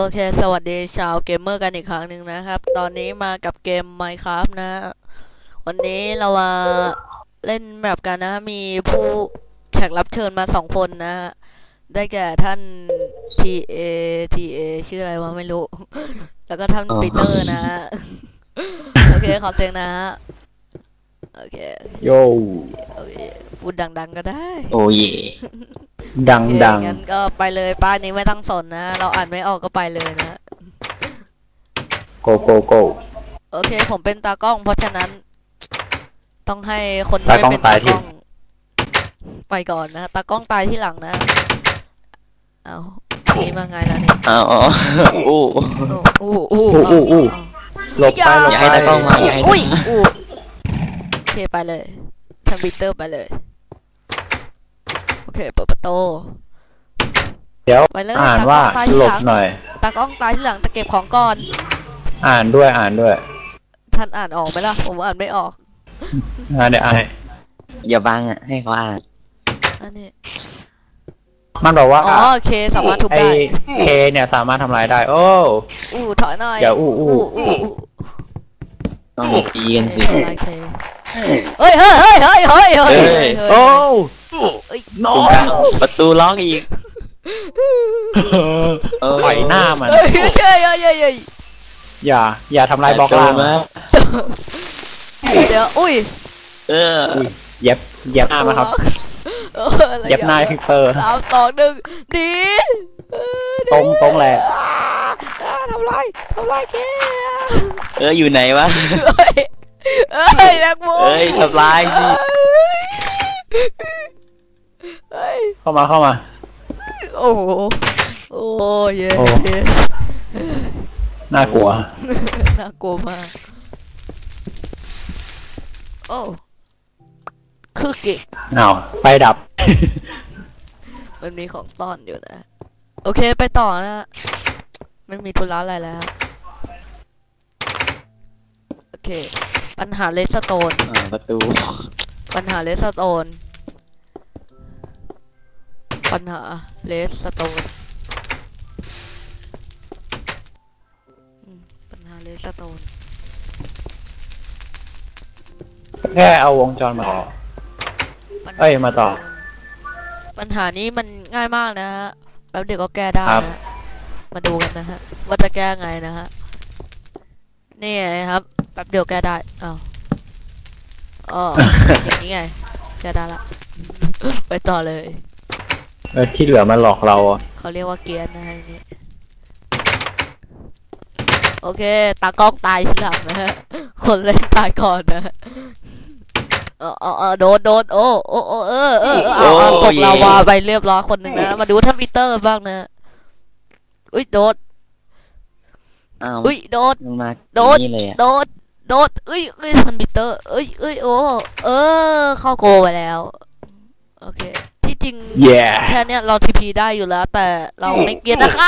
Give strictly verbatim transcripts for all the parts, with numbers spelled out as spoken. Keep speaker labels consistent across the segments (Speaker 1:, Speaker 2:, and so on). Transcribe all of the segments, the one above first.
Speaker 1: เคสวัสดีชาวเกมเมอร์กันอีกครั้งหนึ่งนะครับตอนนี้มากับเกม Minecraft นะวันนี้เรามาเล่นแมปกันนะมีผู้แขกรับเชิญมาสองคนนะได้แก่ท่าน ที เอ ที เอ ชื่ออะไรวะไม่รู้แล้วก็ท่านปีเตอร์นะโอเคขอเสียงนะโอเค
Speaker 2: โย
Speaker 1: โอเคพูดดังๆก็ได้
Speaker 3: โอ้ย
Speaker 2: ดังดัง
Speaker 1: งั้นก็ไปเลยป้ายนี้ไม่ต้องสนนะเราอ่านไม่ออกก็ไปเลยนะ
Speaker 2: โกโกโก
Speaker 1: โอเคผมเป็นตากล้องเพราะฉะนั้นต้องให้คนที่ไม่เป็นตากล้องไปก่อนนะตากล้องตายที่หลังนะเอานี่มาไงล่ะเนี่ย
Speaker 3: อ๋ออู้
Speaker 1: อู้อู้
Speaker 2: อู้อู้หลบไปหลบ
Speaker 3: ไปให้ตากล้องมาอย่าให้
Speaker 1: อุ้ยอู้โอเคไปเลยทางบิเตอร์ไปเลยโอเคเปิดประตู
Speaker 2: เดี๋ยวอ่านว่าหลบหน่อย
Speaker 1: ตากล้องตายที่หลังจะเก็บของก่อน
Speaker 2: อ่านด้วยอ่านด้วย
Speaker 1: ท่านอ่านออกไหมล่ะผมอ่านไม่ออก
Speaker 2: อ่านเดี๋ยวอ่าน
Speaker 3: อย่าบังอ่ะให้เขาอ่าน
Speaker 1: อันนี้
Speaker 2: มันบอกว่า
Speaker 1: อ๋อเคสามารถทุบได้
Speaker 2: เคเนี่ยสามารถทำลายได้โอ้
Speaker 1: อู้ถอยหน่อย
Speaker 2: เดี๋ยวอู้อู้
Speaker 3: ต้องตีกันสิ
Speaker 1: เฮ้ยเฮ้ยเฮ้ยเฮ้ยเฮ้ยเฮ้ย
Speaker 2: โอ้
Speaker 3: น้องประตูล็อกอีก
Speaker 2: ปล่อยหน้ามัน
Speaker 1: เฮ้ยเฮ้ยเฮ้ยเฮ้ย
Speaker 2: อย่าอย่าทำลายบล็อกล่างนะ
Speaker 1: เดี๋ยวอุ้ย
Speaker 3: เออ
Speaker 2: เย็บเย็บหน้ามาครับเย็บหน้าพิกเตอร์
Speaker 1: สามสองหนึ่งดี
Speaker 2: ตรงตรงแหละ
Speaker 1: ทำไรทำไรแก
Speaker 3: เอออยู่ไหนวะ
Speaker 1: เอ้ยแบกโม
Speaker 3: เอ้ยทำลายสิ
Speaker 2: เข้ามาเข้ามา
Speaker 1: โอ้โหโอ้ย
Speaker 2: น่ากลัว
Speaker 1: น่ากลัวมากโอ้คือเก่ง
Speaker 2: เอาไฟดับ
Speaker 1: มันมีของซ่อนอยู่นะโอเคไปต่อนะไม่มีธุระอะไรแล้วโอเคปัญหาเลสโตน
Speaker 3: ประตู
Speaker 1: ปัญหาเลสโตนปัญหาเลสโตนปัญหาเลสโตน
Speaker 2: แค่เอาวงจรมาต่อเอ้ยมาต่อ
Speaker 1: ปัญหานี้มันง่ายมากนะฮะแป๊บเดียวก็แก้ได้นะมาดูกันนะฮะว่าจะแก้ไงนะฮะนี่ครับแป๊บเดียวแก้ได้อ้าวอ๋ออย่างนี้ไงแก้ได้ละไปต่อเลย
Speaker 2: เออที่เหลือมาหลอกเรา
Speaker 1: เขาเรียกว่าเกียร์นะฮะนี่โอเคตากล้องตายทีหลังนะฮะคนเล่นตายก่อนนะเออเออโดนโดนโอ้โอ้โอ้เออเออเอาตกลาวาไปเรียบร้อยคนหนึ่งนะมาดูท่านปีเตอร์บ้างนะอุ้ยโดดอุ้ยโดดโดดโดดโดดอุ้ยอุ้ยท่านปีเตอร์อุ้ยอุ้ยโอ้เออเข้าโกไปแล้วโอเคที่จริงแค่เนี้ยเราทีพีได้อยู่แล้วแต่เราไม่เกียร์นะคะ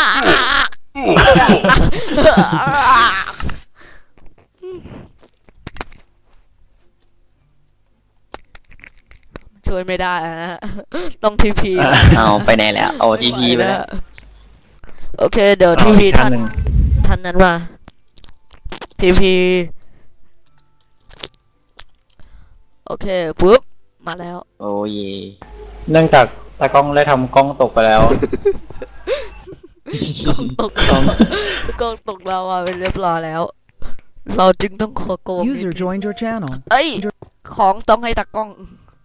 Speaker 1: ช่วยไม่ได้นะต้องทีพี
Speaker 3: เอาไปไหนแล้วเอาทีพีไปแล้ว
Speaker 1: โอเคเดี๋ยวทีพีท่านท่านนั้นมาทีพีโอเคปุ๊บมาแล้ว
Speaker 3: โอ้ย
Speaker 2: เนื่องจากตากล้องได้ทำกล้องตกไปแล้ว
Speaker 1: กล้องตกกล้องกล้องตกเราอ่ะเป็นเรียบร้อยแล้วเราจึงต้องขอโกง
Speaker 4: User joined your channel
Speaker 1: เอ้ยของต้องให้ตากล้อง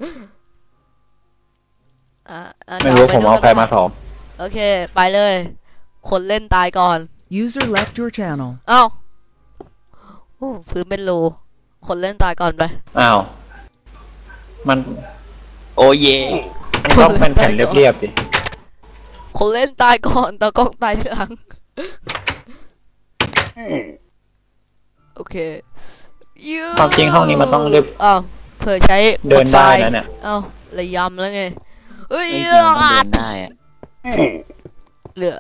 Speaker 2: ไม่รู้ผมเอาใครมาถอม
Speaker 1: โอเคไปเลยคนเล่นตายก่อน
Speaker 4: User left your channel
Speaker 1: อ้าวโอ้พื้นเป็นรูคนเล่นตายก่อนไป
Speaker 2: อ้าวมัน
Speaker 3: โอ้เย่
Speaker 2: มันต้องเป็นแผ่นเรียบๆสิ
Speaker 1: คนเล่นตายก่อนตากล้องตายทีหลังโอเค
Speaker 2: ความจริงห้องนี้มันต้องเรียบ
Speaker 1: อ้าวเผื่อใช้
Speaker 2: เดินได้นะเนี่ย
Speaker 1: อ้าวระยำแล้วไงเฮ้ย
Speaker 3: เดินได้อะ
Speaker 1: เหลือ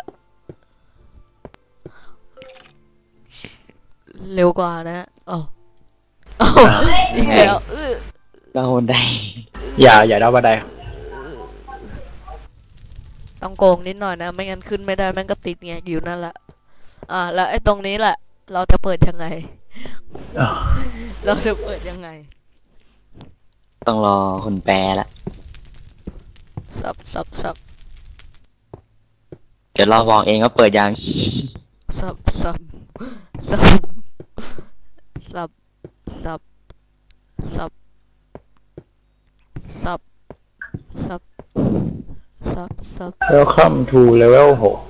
Speaker 1: เร็วกว่านะอ๋ออีกแล้ว
Speaker 3: ดาวบันได
Speaker 2: อย่าอย่าดาวบันได
Speaker 1: ต้องโกงนิดหน่อยนะไม่งั้นขึ้นไม่ได้แม่งก็ติดไงอยู่นั่นแหละอ่าแล้วไอ้ตรงนี้แหละ เราจะเปิดยังไง
Speaker 2: อ้าว
Speaker 1: เราจะเปิดยังไง
Speaker 3: ต้องรอคนแปลละ
Speaker 1: สับสับสับ
Speaker 3: เดี๋ยวเราบอกเองว่าเปิดยัง
Speaker 1: สับสับสับสับสับสับสับสับสับสับ
Speaker 2: Welcome to level หก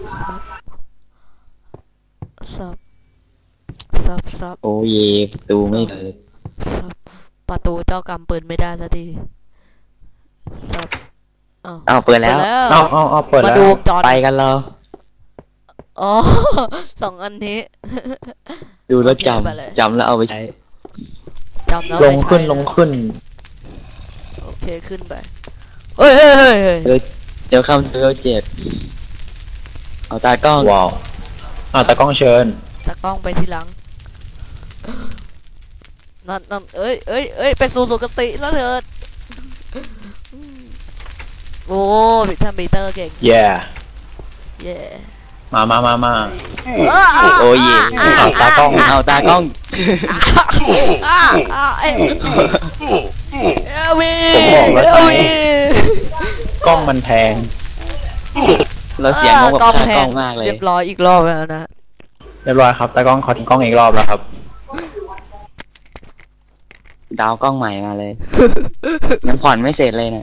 Speaker 1: สับสับสับ
Speaker 3: โอ้เยประตูไม่เปิด
Speaker 1: สับประตูเจ้ากรรมเปิดไม่ได้สักทีสับอ้าว
Speaker 3: อ้าวเปิดแล้ว
Speaker 2: เอาเอาเอาเปิด
Speaker 1: มา
Speaker 2: แล้ว
Speaker 1: ดูวงจร
Speaker 3: ไปกันเรา
Speaker 1: อ๋อ สองอันนี้
Speaker 3: ดูแล้วจ
Speaker 1: โอเคไปเลย
Speaker 3: ำจำแล้วเอาไปใช้
Speaker 1: จำแล้ว
Speaker 2: ล
Speaker 1: ไม่
Speaker 2: ง
Speaker 1: ใช่
Speaker 2: ขึ้นลงขึ้น
Speaker 1: โอเคขึ้นไปเฮ้ยเฮ้ยเฮ้ยเฮ้ย
Speaker 3: เดี๋ยวคำเจอเจ็ดเอาตากล้อง
Speaker 2: ว้าวอ่าตากล้องเชิญ
Speaker 1: ตากล้องไปทีหลังนั่นนั่นเอ้ยเอ้ยเอ้ยไปสู่สุคติแล้วเถิดโอ้พี่ท่านปีเตอร์เก่ง
Speaker 2: แย่
Speaker 1: เย่
Speaker 2: มามามามา
Speaker 3: โอ้เย
Speaker 2: เอาตากล้อง
Speaker 3: เอาตากล้อง
Speaker 1: อ้าอ้าเอ้ยเอลวี
Speaker 2: ผมบอกแล้ว
Speaker 1: เอลวี
Speaker 2: กล้องมันแพง
Speaker 3: เราเสียงงงกับตากล้องมากเลย
Speaker 1: เรียบร้อยอีกรอบแล้วนะ
Speaker 2: เรียบร้อยครับตากล้องขอทิ้งกล้องอีกรอบแล้วครับ
Speaker 3: ดาวกล้องใหม่มาเลย ยังผ่อนไม่เสร็จเลยเนะ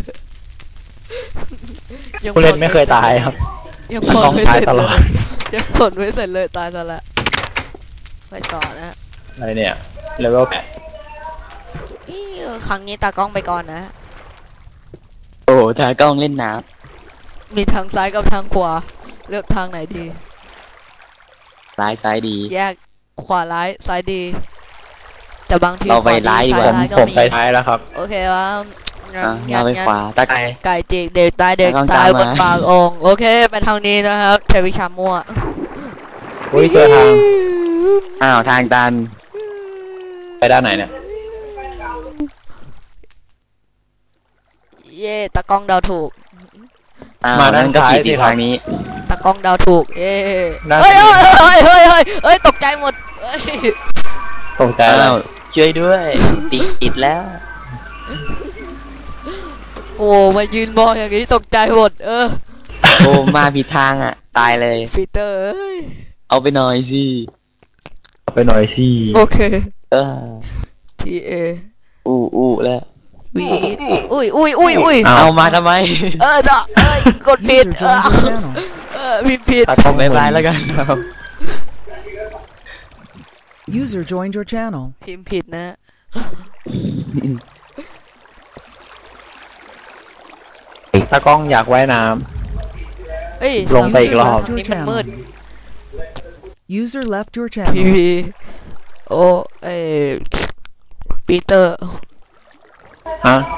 Speaker 1: ยัง
Speaker 2: ผู้เล่นไม่เคยตายครับ
Speaker 1: ยัง
Speaker 2: ตากล้อง
Speaker 1: ไม่
Speaker 2: ตาย
Speaker 1: เสร็จ
Speaker 2: ตล
Speaker 1: เล
Speaker 2: อด
Speaker 1: ยยังผลไม่เสร็จเลยตายซะละไปต่อนะ
Speaker 2: อะไรเนี่ยเลเวลแปด
Speaker 1: อี้ครั้งนี้ตากล้องไปก่อนนะ
Speaker 3: โอ้ตากล้องเล่นน้
Speaker 1: มีทางซ้ายกับทางขวาเลือกทางไหนดี
Speaker 3: ำซ้ายซ้ายดี
Speaker 1: แยกขวาร้ายซ้ายดี แต่บางที
Speaker 3: เราไป
Speaker 1: ขวดี
Speaker 3: ร้ายดีก
Speaker 1: ซ้
Speaker 3: ว่า
Speaker 1: ร้ายก็
Speaker 2: ผม
Speaker 1: มี
Speaker 2: ไปท้ายแล้วครับ
Speaker 1: โอเคว่างั้น
Speaker 3: อ่ะ
Speaker 1: งั้
Speaker 3: เรา
Speaker 1: น
Speaker 3: ไป
Speaker 1: งั้น
Speaker 3: ขวาตาไกล
Speaker 1: ไก่จิกเด็กตายเด็ก
Speaker 3: ตากล้อง
Speaker 1: ตายบ
Speaker 3: ตาม
Speaker 1: น
Speaker 3: มา
Speaker 1: ปากองค์โอเคไปทางนี้นะครับใช้วิชามั่ว
Speaker 2: อุ้ยเจอทาง
Speaker 3: อ้าวทางตัน
Speaker 2: ไปด้านไหนเนี่ย
Speaker 1: เย่ตากล้องเดาถูก
Speaker 3: อ้าว
Speaker 2: มาด้าน
Speaker 3: นั่นก็
Speaker 2: ซ้าย
Speaker 3: ผิด
Speaker 2: สิ
Speaker 3: ที่
Speaker 2: ครับ
Speaker 3: ทางนี้
Speaker 1: ตากล้องเดาถูกเย่
Speaker 2: ด้าน
Speaker 1: เฮ้ย
Speaker 2: นี้
Speaker 1: เฮ้ยเฮ้ยเฮ้ยเฮ้ยเฮ้ยตกใจหมดเฮ้ย
Speaker 2: ตกใจแล้
Speaker 3: อ้าว วช่วยด้วย ติดติดแล้ว
Speaker 1: โอ้มายืนมองอย่างนี้ตกใจหมดเออ
Speaker 3: โอ้มาผิดทางอ่ะ ตายเลย
Speaker 1: ปีเตอร์เอ้ย
Speaker 3: เอาไปหน่อยสิ
Speaker 2: ไปหน่อยสิ
Speaker 1: โอเค
Speaker 3: เออ
Speaker 1: ทีเอ
Speaker 3: อู้อู้แล้ว
Speaker 1: วีอุ้ยอุ้ยอุ้ยอุ้ย
Speaker 3: เอามาทำไม
Speaker 1: เออเนาะเอ้ยกดผิด
Speaker 4: User
Speaker 1: เออ
Speaker 4: joined your channel.
Speaker 1: เออผิดผิด
Speaker 2: ตากล้อง
Speaker 3: บายบายแล้วกันครับ
Speaker 4: User joined your channel.
Speaker 1: พิมพ์ผิดนะ
Speaker 2: ตากล้องอยากว่ายน้
Speaker 1: เอ้ย
Speaker 2: ลงไปอีกรอบ
Speaker 1: นี่มันมืด
Speaker 4: User left your
Speaker 1: พี
Speaker 4: channel.
Speaker 1: พีโอเอปีเตอร์
Speaker 2: ำฮะ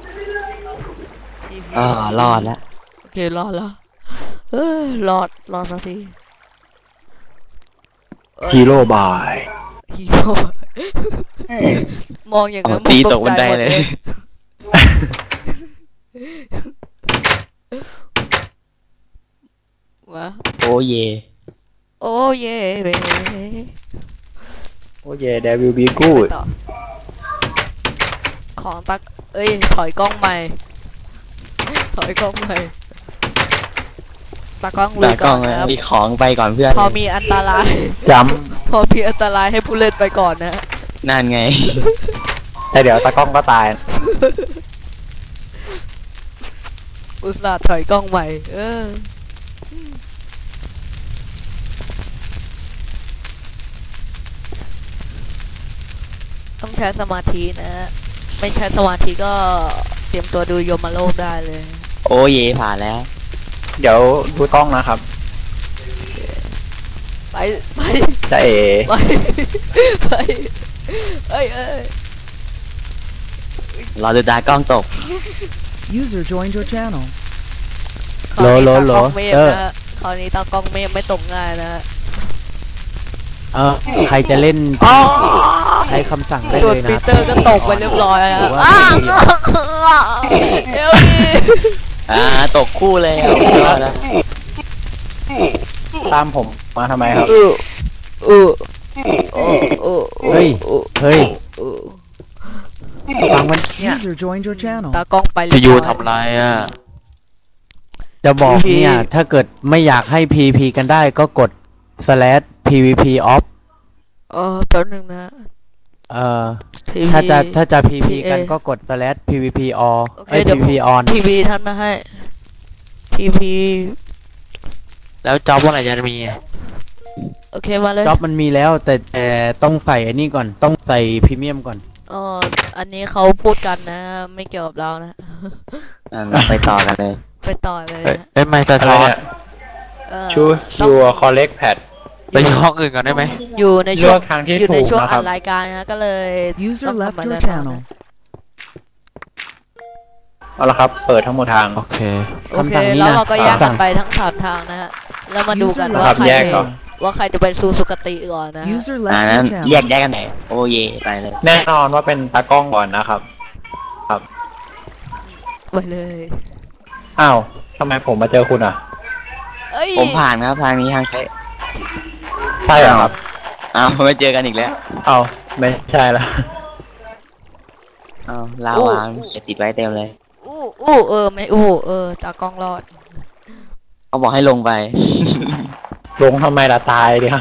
Speaker 3: อ่ารอดแล้ว
Speaker 1: โอเครอดแล้วเออรอดรอดสักทีเอ้ย
Speaker 2: ฮีโร่บาย
Speaker 1: ฮีโร่มองอย่างนั้น
Speaker 3: ตี
Speaker 1: ผม
Speaker 3: ตกบันได
Speaker 1: ใจหม
Speaker 3: เลย
Speaker 1: วะ
Speaker 3: โอ้เย
Speaker 1: โอ้เย่เบ้
Speaker 2: โอ้เย่เดวิลบีกู
Speaker 1: ไป
Speaker 2: ด
Speaker 1: ต่อของตักเอ้ยถอยกล้องใหม่ถอยกล้องใหม่ตากล้องลุ
Speaker 3: ตาย ก
Speaker 1: ก่
Speaker 3: ล้
Speaker 1: อ
Speaker 3: อน ง
Speaker 1: นะครับ
Speaker 3: มีของไปก่อนเพื่อน
Speaker 1: พอมีอันตราย
Speaker 2: จ
Speaker 1: พอมีอันตรายให้ผู้เล่นไปก่อนนะ
Speaker 3: นั่นไง
Speaker 2: ำแต่เดี๋ยวตากล้องก็ตาย
Speaker 1: อุตส่าห์ถอยกล้องใหม่ เออ ต้องใช้สมาธินะ ไม่ใช้สมาธิก็เตรียมตัวดูโยมโลกได้เลย
Speaker 3: โอ้เยผ่านแล้ว
Speaker 2: เดี๋ยวดูกล้องนะครับ
Speaker 1: ไป ไป
Speaker 2: จะเอ
Speaker 1: ไป ไป เอ้ยเอ้ย
Speaker 3: รอดูตากล้องตก
Speaker 4: User joined your channel.
Speaker 1: คราวนี้
Speaker 2: โหล
Speaker 1: ตา
Speaker 2: โหล
Speaker 1: กล้องเมฆ
Speaker 2: เออ
Speaker 1: นะฮะคราวนี้ตากล้องเมฆไม่ตกง่ายนะฮะ
Speaker 5: เออใครจะเล่นใช้คำสั่งได้
Speaker 1: ส่วน
Speaker 5: เลย
Speaker 1: ปี
Speaker 5: นะ
Speaker 1: เตอร์ก็ตกไปเรียบร้อยแล้ว
Speaker 5: หรือว่า
Speaker 1: อ้าวเอลดี
Speaker 3: อ่าตกคู่เลยเอาเอาละ
Speaker 2: ตามผมมาทำไมครับ
Speaker 1: เออเออเออเออ
Speaker 5: เฮ้ย เฮ้ย
Speaker 1: เออ
Speaker 5: ฟังมันเนี่ย
Speaker 4: User joined your channel.
Speaker 1: ตากล้องไปเล
Speaker 6: จะ
Speaker 1: ย
Speaker 6: อยู่ทำไรอ่ะ
Speaker 5: จะบอก
Speaker 1: พี
Speaker 5: เนี่ย ถ้าเกิดไม่อยากให้ พี พี กันได้ก็กด slash พี วี พี off
Speaker 1: เออแป๊บนึงนะ
Speaker 5: เอ่อ
Speaker 1: พี
Speaker 5: ถ้าจะถ้าจะ พี พี
Speaker 1: พี
Speaker 5: กัน
Speaker 1: เอ
Speaker 5: ก็กด slash พี วี พี all
Speaker 1: โอเค
Speaker 5: ไอ้ย
Speaker 1: เดี๋ยว
Speaker 5: พี วี พี on
Speaker 1: พีพีท่านมาให้พีพี
Speaker 6: แล้วจ็อบวันไหนจะมีอ่ะ
Speaker 1: โอเคมาเลย
Speaker 5: จ็อบมันมีแล้วแต่แต่ต้องใส่อันนี้ก่อนต้องใส่พรีเมียมก่อน
Speaker 1: เอออันนี้เขาพูดกันนะ ไม่เกี่ยวกับเรานะ
Speaker 3: อ่ะไปต่อกันเลย
Speaker 1: ไปต่อเลย
Speaker 6: เอ้ย
Speaker 1: นะ
Speaker 6: เอ้ยไม่สะ
Speaker 2: อะไร
Speaker 6: ท้อน
Speaker 2: เนี่ย
Speaker 1: เออ
Speaker 2: ชู
Speaker 1: ต้อง
Speaker 2: your collect pad
Speaker 6: ไปช่องอื่นก่อนได้ไหม
Speaker 1: อยู่ใน
Speaker 2: เลื
Speaker 1: ช่ว
Speaker 2: อง กทางที่
Speaker 1: อยู่ใน
Speaker 2: ถูก
Speaker 1: ช่วง
Speaker 2: นะค
Speaker 1: อั
Speaker 2: รับ
Speaker 1: ดรายการนะก็เลย
Speaker 4: User
Speaker 1: ต้อง
Speaker 4: left
Speaker 1: ทำอะไร
Speaker 4: your
Speaker 1: ต่อ
Speaker 4: channel.
Speaker 2: เอาละครับ เปิดทั้งหมดทาง
Speaker 6: โอเค
Speaker 1: โอเค
Speaker 5: คำสั่งนี้นะ
Speaker 1: แล้วเราก็แยก
Speaker 5: คำสั่
Speaker 1: กัน
Speaker 5: ง
Speaker 1: ไปทั้งสามทางนะฮะแล้วมาดูกัน
Speaker 4: User
Speaker 1: ว่า
Speaker 2: ครับ
Speaker 1: ใคร
Speaker 2: แยกก่อน
Speaker 1: ว่าใครจะไปสู่สุคติก่อนนะฮะ
Speaker 4: User
Speaker 3: อ่า
Speaker 4: left
Speaker 3: นั้น
Speaker 4: your
Speaker 3: แย
Speaker 4: channel.
Speaker 3: กแยกกันไหนโอ้เยไปเลย
Speaker 2: แน่นอนว่าเป็นตากล้องก่อนนะครับ ครับ
Speaker 1: ไปเลย
Speaker 2: อ้าวทำไมผมมาเจอคุณอ่ะ
Speaker 1: เอ้ย
Speaker 3: ผมผ่านครับทางนี้ทางใช้
Speaker 2: ใช่เหรอครับ
Speaker 3: อ้าวไม่เจอกันอีกแล้ว
Speaker 2: อ้าวไม่ใช่ละ
Speaker 3: อ้าวลาวางเขียนติดไว้เต็มเลย
Speaker 1: อู้อู้เออไม่อู้เออตากล้องรอด
Speaker 3: เขาบอกให้ลงไป
Speaker 2: ลงทำไมล่ะตายดิครับ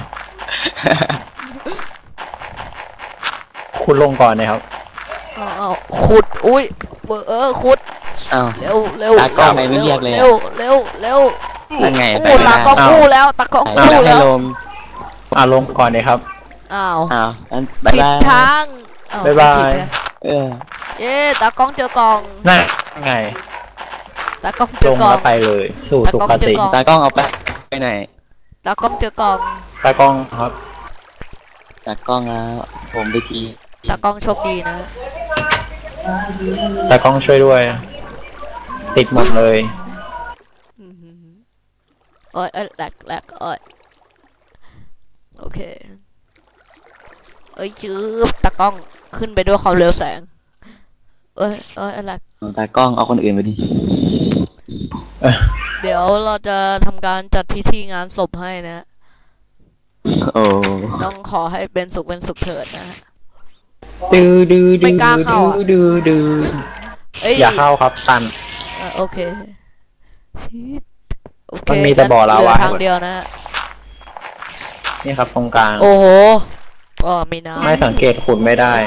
Speaker 2: คุณลงก่อนนะครับ
Speaker 1: เอาเอาขุดอุ้ยเออเออขุด
Speaker 3: อ้าว
Speaker 1: เร็วเร็ว
Speaker 3: ตากล้องไหนไม่เรียกเลยอะ
Speaker 1: เร็วเร็วเร็ว
Speaker 3: นั่นไงไป
Speaker 1: อู้
Speaker 3: ไม่
Speaker 1: ตา
Speaker 3: ได้
Speaker 1: กล้องอู้แล้วตากล้อง
Speaker 3: ไม่
Speaker 1: อู้
Speaker 3: ได้ให้
Speaker 1: แล้ว
Speaker 3: ลง
Speaker 2: อ่าลงก่อนเลยครับ
Speaker 1: อ้าว
Speaker 3: อ้าวงั้นบ๊าย
Speaker 1: ผิด
Speaker 3: บาย
Speaker 1: ทางอ้ว
Speaker 2: บ๊ายบาย
Speaker 1: ผิดนะ
Speaker 3: เออ
Speaker 1: เย้ตากล้องเจอกล่อง
Speaker 2: นั่นไง
Speaker 1: ตากล้องเจ
Speaker 2: ล
Speaker 1: อง กล่อ
Speaker 2: แล้
Speaker 1: ง
Speaker 2: วไปเลย สู่สุคติ
Speaker 1: ตากล้องเจอกล่อง
Speaker 3: ตากล้องเอาไปไปไหน
Speaker 1: ตากล้องเจอกล่อง
Speaker 2: ตากล้องครับ
Speaker 3: ตากล้องแล้วผมไปที
Speaker 1: ตากล้องโชคดีนะ
Speaker 2: ตากล้องช่วยด้วย ติดหมดเลย
Speaker 1: อื้อหือโอ้ยเอ้ยแหลกแหลกโอ้ยโอเคเอ้ยจืบตากล้องขึ้นไปด้วยความเร็วแสงเอ้ยเอ้ยแหลก
Speaker 3: เอาตากล้องเอาคนอื่นไปดิ
Speaker 2: เอ้ย
Speaker 1: เดี๋ยวเราจะทำการจัดพิธีงานศพให้นะ
Speaker 3: โอ้
Speaker 1: ต้องขอให้เป็นสุขเป็นสุขเถิดนะฮะ
Speaker 2: ดื้อดื้อ
Speaker 1: ไม่
Speaker 2: ดื้อก
Speaker 1: ล้าเข้าอะ
Speaker 2: ดื้อดื้อ
Speaker 1: เอ้ย
Speaker 2: อย่าเข้าครับตัน
Speaker 1: เอ่อโอเคโอเค
Speaker 2: มันมีแต่บ่อลาวา
Speaker 1: เหลืทางเดียวนะฮะ
Speaker 2: นี่ครับตรงกลาง
Speaker 1: โอ้โหก็มีน้ำ
Speaker 2: ไม่สังเกตขุดไม่ได้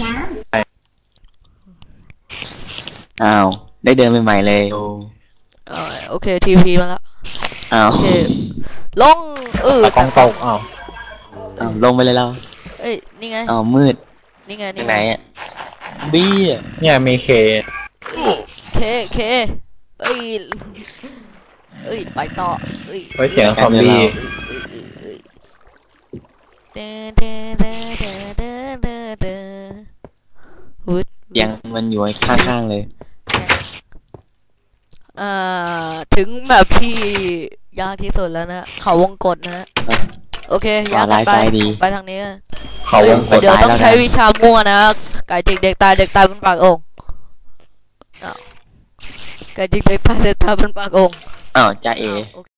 Speaker 3: อ้าวได้เดินใหม่ๆเลยโอ้
Speaker 1: เอ่อโอเคทีพีมาแล้ว
Speaker 3: อ้าว
Speaker 1: โอเคลงเออ
Speaker 2: ตากล้องตกอ้าว
Speaker 3: อ้าวลงไปเลยเรา
Speaker 1: เอ้ยนี่ไง
Speaker 3: อ้าวมืด
Speaker 1: นี่ไง
Speaker 3: ที่
Speaker 1: นี่
Speaker 3: ไหน
Speaker 1: ไง
Speaker 3: อ่ะบี้อะ
Speaker 2: เนี่ยมีเค
Speaker 1: เคเคเอ้ยเอ้ยไปต่อเอ้ย
Speaker 2: ไว้เสียงซอมบี้
Speaker 1: เด้เด้เด้เด้เด้เด้เด้วุด
Speaker 3: ยังมันอยู่ข้างๆเลย
Speaker 1: เอ่อถึงแบบที่ยากที่สุดแล้วนะ เขาวงกตนะ โอเคยาก
Speaker 3: ลาย
Speaker 1: ไป
Speaker 3: ซ้ายดี
Speaker 1: ไปทางนี้นะ
Speaker 2: เขาวงก
Speaker 1: เอ้ย
Speaker 2: ด
Speaker 1: เดี๋ยวต้อง
Speaker 3: แล้วนะ
Speaker 1: ใช้วิชามั่วนะไก่จิกเด็กตายเด็กตายบนปากโองค์อ้าวไก่จิกเด็กตายเด็กตายบนปากโองค์
Speaker 3: อ้าวจ้าเอ
Speaker 1: โอ